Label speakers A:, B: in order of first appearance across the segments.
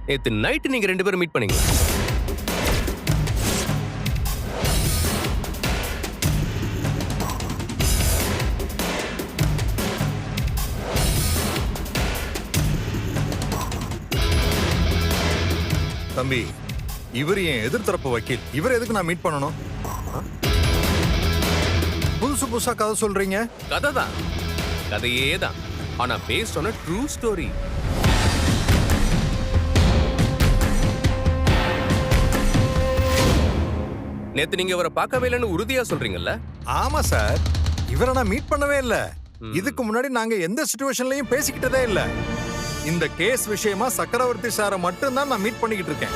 A: நேத்து நைட்டு நீங்க 2 பேரும் மீட் பண்ணீங்க.
B: தம்பி, இவர் என் எதிர்த்தரப்பு வக்கீல். இவர் எதுக்கு நான் மீட் பண்ணணும்? புதுசு புதுசா கதை சொல்றீங்க.
A: கதை தான், கதையே தான். ஆனா based on a true story. நேத்து நீங்க இவரை பார்க்கவே இல்லைன்னு உறுதியா சொல்றீங்கல்ல?
B: ஆமா சார், இவரை நான் மீட் பண்ணவே இல்ல. இதுக்கு முன்னாடி நாங்க எந்த சிச்சுவேஷன்லயும் பேசிக்கிட்டதே இல்ல. இந்த கேஸ் விஷயமா சக்கரவர்த்தி சாரை மட்டும் தான் நான் மீட் பண்ணிக்கிட்டு இருக்கேன்.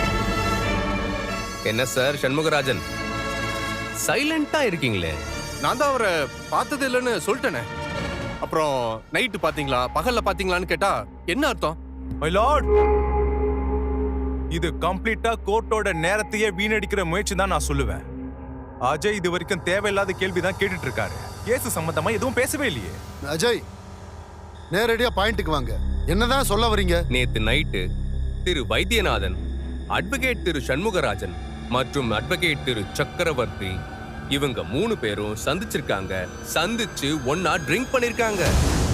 A: என்ன சார் சண்முகராஜன், சைலண்டா இருக்கீங்களே?
C: நான் தான் அவரை பார்த்தது இல்லைன்னு சொல்லிட்டேனே. அப்புறம் நைட்டு பாத்தீங்களா பகல்ல பாத்தீங்களான்னு கேட்டா என்ன அர்த்தம்?
D: மை லார்ட், இது கம்ப்ளீட்டா கோர்ட்டோட நேரத்தையே வீணடிக்கிற முயற்சி தான் நான் சொல்லுவேன். அஜய் இது வரைக்கும் தேவையில்லாத கேள்வி தான் கேட்டுட்டு இருக்காரு. கேஸ் சம்பந்தமா எதுவும் பேசவே இல்லையே.
E: அஜய், நேரடியா பாயிண்ட்டுக்கு வாங்க. என்னதான் சொல்ல வரீங்க?
A: நேத்து நைட்டு திரு வைத்தியநாதன், அட்வொகேட் திரு சண்முகராஜன் மற்றும் அட்வொகேட் திரு சக்கரவர்த்தி இவங்க 3 பேரும் சந்திச்சிருக்காங்க. சந்திச்சு ஒன்னா ட்ரிங்க் பண்ணிருக்காங்க.